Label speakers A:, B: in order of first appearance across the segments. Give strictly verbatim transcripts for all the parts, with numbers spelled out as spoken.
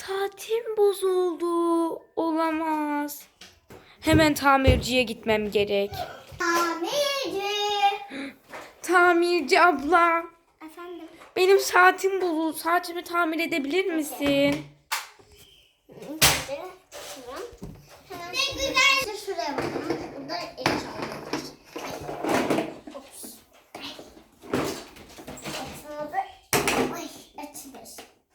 A: Saatim bozuldu. Olamaz. Hemen tamirciye gitmem gerek.
B: Tamirci.
A: Tamirci abla.
B: Efendim?
A: Benim saatim bozuldu. Saatimi tamir edebilir misin?
B: Ne güzel. Şuraya bakalım. Burada eşyalar var. Ops. Açıldı. Ay açılır.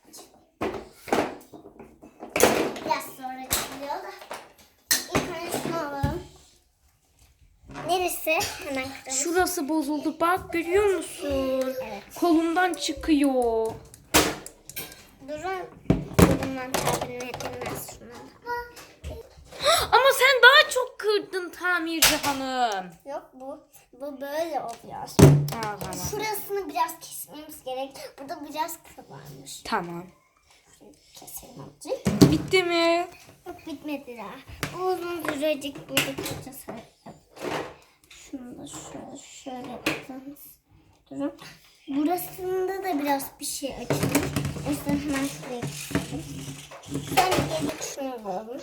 B: Biraz sonra açılıyor da. İlk önce şunu alalım. Neresi? Hemen kıralım.
A: Şurası bozuldu. Bak görüyor musun?
B: Evet.
A: Kolumdan çıkıyor.
B: Durun. Bundan tabirine edilmez şuna.
A: Ama sen daha çok kırdın tamirci hanım.
B: Yok bu. Bu böyle oluyor.
A: Aa, tamam.
B: Şurasını biraz kesmemiz gerek. Burada biraz kıl varmış.
A: Tamam.
B: Keselim azıcık.
A: Bitti mi?
B: Yok bitmedi daha. Bu uzun sürecek burada kıracağız. Şunu da şöyle şöyle yapacağız. Durun. Burasında da biraz bir şey açılmış. O yüzden hemen şuraya geçelim. Sen gelip şunu alalım.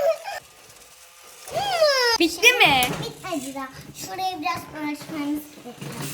A: Bitti mi?
B: Bitmedi daha. Şurayı biraz uğraşmamız gerekiyor.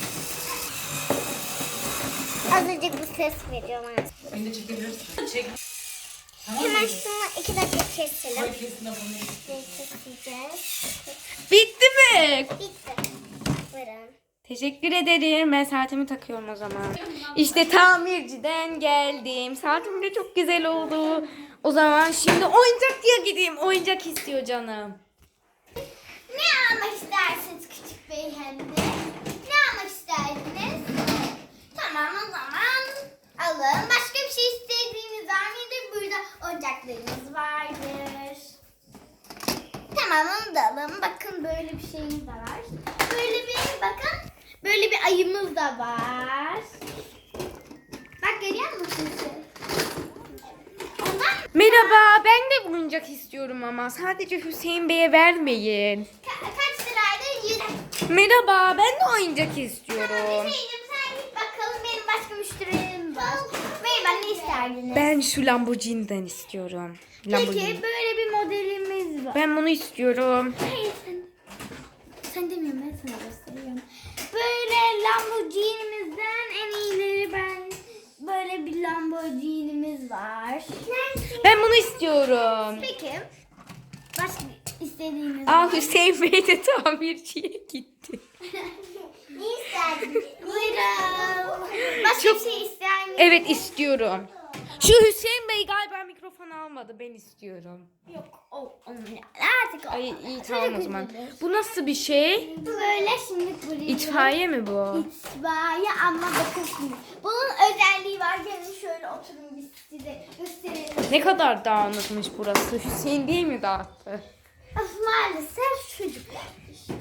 B: Azıcık bir ses veriyor bana.
C: Beni de çekebilirsin. Çek. Tamam
B: Hemen
C: mı?
B: şunu iki dakika keselim.
C: Koy kesin abone.
B: Keseceğiz.
A: Bitti mi?
B: Bitti. Buyurun.
A: Teşekkür ederim. Ben saatimi takıyorum o zaman. İşte tamirciden geldim. Saatim de çok güzel oldu. O zaman şimdi oyuncakçıya gideyim. Oyuncak istiyor canım.
B: Ne almak istersiniz küçük beyefendi? Ne almak isterdiniz? Tamam o zaman alın. Başka bir şey istediğiniz var mıydı? Burada oyuncaklarımız vardır. Tamam onu da alın. Bakın böyle bir şeyimiz de var. Böyle bir bakın. Böyle bir ayımız da var. Bak görüyor musunuz? Ondan
A: Merhaba, ben de oyuncak istiyorum ama sadece Hüseyin Bey'e vermeyin.
B: ka- kaç liraydı? Yüz.
A: Merhaba, ben de oyuncak
B: Tamam
A: istiyorum.
B: Hüseyin'cim sen git bakalım benim başka müşterilerim var. Merhaba ne isterdiniz?
A: Ben şu Lamborghini'den istiyorum. Lamborghini.
B: Peki böyle bir modelimiz var.
A: Ben bunu istiyorum.
B: Hayır sen. Sen demiyorum ben sana gösteriyorum. Böyle Lamborghini'mizden en iyileri ben. Böyle bir Lamborghini'miz var.
A: Ben bunu istiyorum.
B: Peki. Başka istediğiniz
A: Aa,
B: var.
A: Hüseyin Bey de tamirciye gitti.
B: Ne isterdiniz? Buyurun. Başka
A: Çok-
B: bir şey ister misiniz?
A: Evet istiyorum. Şu Hüseyin Bey galiba mikrofon almadı. Ben istiyorum.
B: Yok. O, onun artık o.
A: Ay iyi
B: Çocuk
A: tamam o zaman.
B: üzülür.
A: Bu nasıl bir şey?
B: Bu böyle şimdi buraya.
A: İtfaiye mi bu?
B: İtfaiye ama bakın şimdi. Bunun özelliği var. Gelin şöyle oturun biz size gösterelim.
A: Ne kadar dağınıkmış burası. Hüseyin değil mi dağıttı?
B: Of, maalesef çocuklar işte.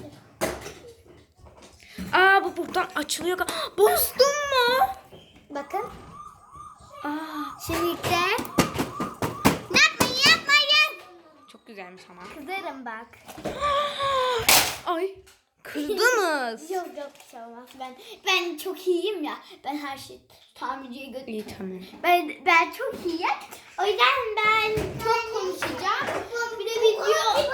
A: Aa bu buradan açılıyor. gal- Bozdun mu?
B: Bakın.
A: Aa
B: Şimdi de. Yapmayın yapmayın.
A: çok güzelmiş ama.
B: Kızarım bak.
A: Ay kırdınız.
B: Yok yok bir şey olmaz. Ben, ben çok iyiyim ya. Ben her şeyi tamirciye
A: İyi
B: götürüyorum.
A: tamam.
B: Ben, ben çok iyiyim. O yüzden ben çok konuşacağım. Bir de video.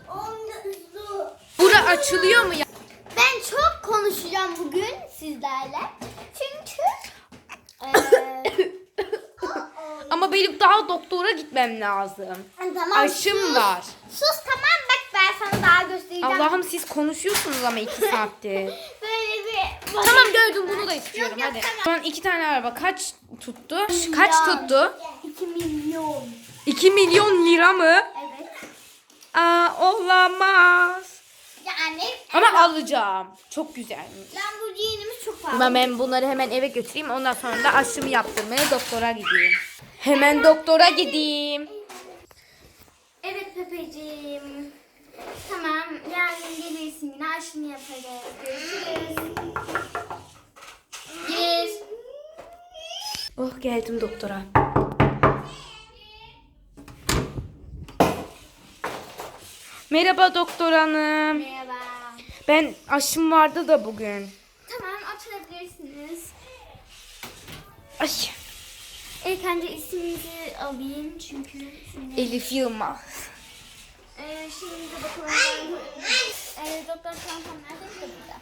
A: Bura açılıyor mu ya?
B: Ben çok konuşacağım bugün sizlerle. Çünkü eee
A: Ama benim daha doktora gitmem lazım.
B: tamam.
A: Aşım
B: sus.
A: var.
B: Sus tamam bak ben sana daha göstereceğim.
A: Allah'ım siz konuşuyorsunuz ama iki saattir.
B: Böyle bir
A: Tamam gördüm bunu da istiyorum
B: Yok, yok,
A: hadi.
B: tamam.
A: Şu an iki tane araba kaç tuttu? Kaç tuttu?
B: iki milyon.
A: iki milyon lira mı?
B: Evet.
A: Aa olamaz.
B: Yani
A: Ama alacağım. Çok güzelmiş.
B: Lamborghini'miz çok pahalı.
A: Ama ben bunları hemen eve götüreyim. Ondan sonra da aşımı yaptırmaya doktora gideyim. Hemen doktora gideyim.
B: Evet Pepeciğim. Tamam yarın gelirsin yine aşını yaparız. Görüşürüz. Gir.
A: Oh geldim doktora. Merhaba doktor hanım.
B: Merhaba.
A: Ben aşım vardı da bugün.
B: Tamam oturabilirsiniz.
A: Ay.
B: İlk önce isminizi alayım çünkü şimdi...
A: Elif Yılmaz.
B: Ee, şimdi bakalım. Ee, doktor Şampan nerede? İşte burada.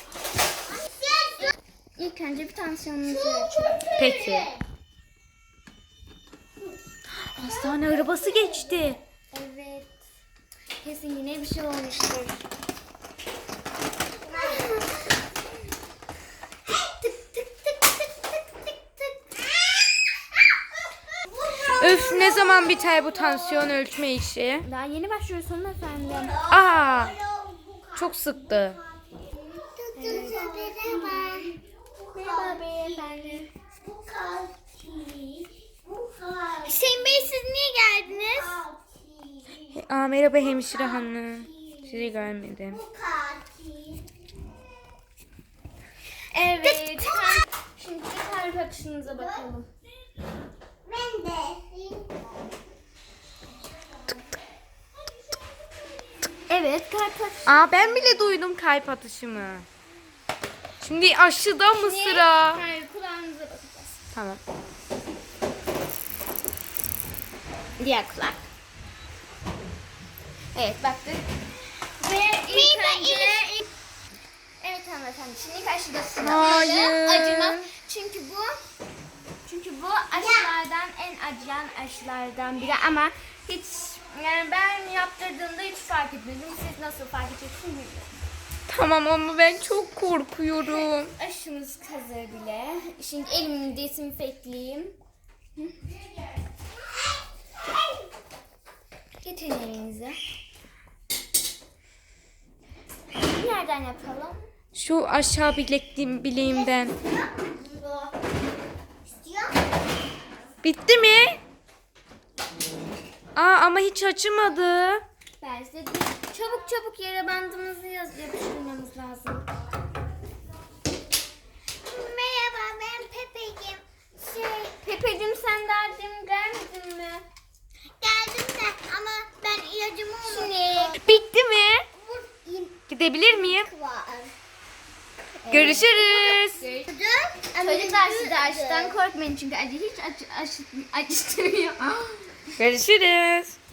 B: İlk önce bir tansiyonunuzu ölçelim.
A: Peki. Hastane arabası geçti.
B: Evet. Kesin yine bir şey olmuştur. Tık tık tık tık tık tık tık.
A: Öf, ne zaman biter bu tansiyon ölçme işi?
B: Daha yeni başlıyoruz hanımefendi.
A: Aa, çok sıktı.
B: Evet. Merhaba. Merhaba beyefendi. Hüseyin Bey siz niye geldiniz?
A: Aa, merhaba hemşire hanım. Sizi görmedim.
B: Evet. Şimdi kalp atışınıza bakalım. Ben de. Evet kalp atışı.
A: Aa, ben bile duydum kalp atışımı. Şimdi aşıda mı sıra?
B: Hayır kulağınıza bakacağız.
A: Tamam.
B: Diğer kulak. Evet baktık. Ve ilk önce... Evet hanımefendi şimdi ilk aşıda sıra.
A: Hayır.
B: Acıma. Çünkü bu... Çünkü bu aşılardan en acıyan aşılardan biri ama hiç... Yani ben yaptırdığımda hiç fark etmedim. Siz nasıl fark edeceksiniz bilmiyorum.
A: Tamam ama ben çok korkuyorum.
B: Aşımız hazır bile. Şimdi elimi desinfektleyeyim. Hı. Getirin elinizi. Nereden yapalım?
A: Şu aşağı bilekliğim, bileğimden. Bitti mi? Aa, ama hiç açılmadı.
B: Ben size çabuk çabuk yere bandımızı yaz yapıştırmamız lazım. Merhaba ben Pepeciğim. Şey... Pepeciğim sen daha demin gelmedin mi? Geldim de ama ben ilacımı unuttum.
A: Bitti mi? Gidebilir miyim? Görüşürüz.
B: Çocuklar siz de aşıdan korkmayın çünkü acı hiç acı, acı, acıtmıyor.
A: Görüşürüz.